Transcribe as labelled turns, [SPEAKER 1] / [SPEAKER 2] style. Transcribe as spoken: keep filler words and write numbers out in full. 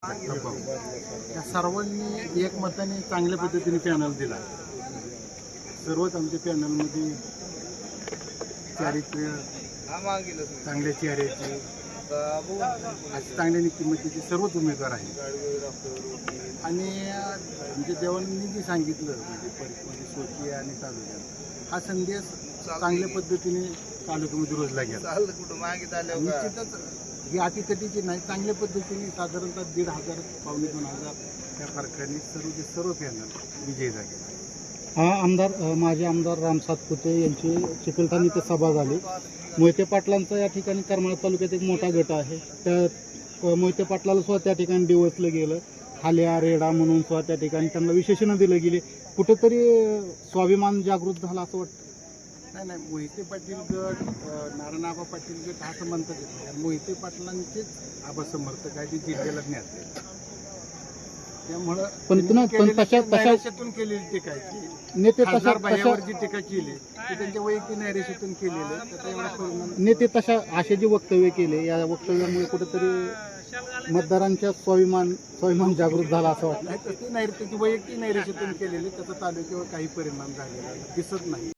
[SPEAKER 1] त्या सर्वांनी एकमताने चांगल्या पद्धतीने पॅनल दिला. सर्वच आमच्या पॅनलमध्ये चारित्र्य चांगल्या चेहऱ्याचे असे चांगल्या किंमतीचे सर्वच उमेदवार आहेत. आणि म्हणजे देवांनी जे सांगितलं म्हणजे परिस्थिती सोची आणि तालुक्यात हा संदेश चांगल्या पद्धतीने तालुक्यामध्ये रोजला गेला. निश्चितच ही अटीतटीची नाही, चांगल्या पद्धतीने साधारणतः दीड हजार पावणे दोन हजार त्या फरकाने सर्व जे सर्व पॅनल विजयी झाले.
[SPEAKER 2] हा आमदार माजी आमदार राम सातपुते यांची चिकलठाण इथे सभा झाली. मोहिते पाटलांचा या ठिकाणी करमाळा तालुक्यात एक मोठा गट आहे. त्या मोहिते पाटलाला सुद्धा त्या ठिकाणी डिवचलं गेलं. हाल्या रेडा म्हणून सुद्धा त्या ठिकाणी त्यांना विशेषणं दिलं गेले. कुठेतरी स्वाभिमान जागृत झाला असं वाटतं.
[SPEAKER 1] नाही नाही मोहिते पाटील गट नारायणआबा पाटील गट असं म्हणतात येत. मोहिते पाटलांचेच आबा समर्थक आहे, ते जिल्ह्याला ज्ञाते. त्यामुळं
[SPEAKER 2] पण
[SPEAKER 1] नैराश्यातून केलेली टीका आहे.
[SPEAKER 2] नेते
[SPEAKER 1] खासदार बाह्यावर जी टीका केली ती त्यांच्या वैयक्तिक नैराश्यातून केलेली. त्याचा एवढा परिणाम
[SPEAKER 2] नेते तशा असे जे वक्तव्य केले, या वक्तव्यामुळे कुठेतरी मतदारांच्या स्वाभिमान स्वाभिमान जागृत झाला असं वाटतं.
[SPEAKER 1] नाही तर ती नैर त्याची वैयक्तिक नैराश्यातून केलेली, त्याचा तालुक्यावर काही परिणाम झालेला दिसत नाही.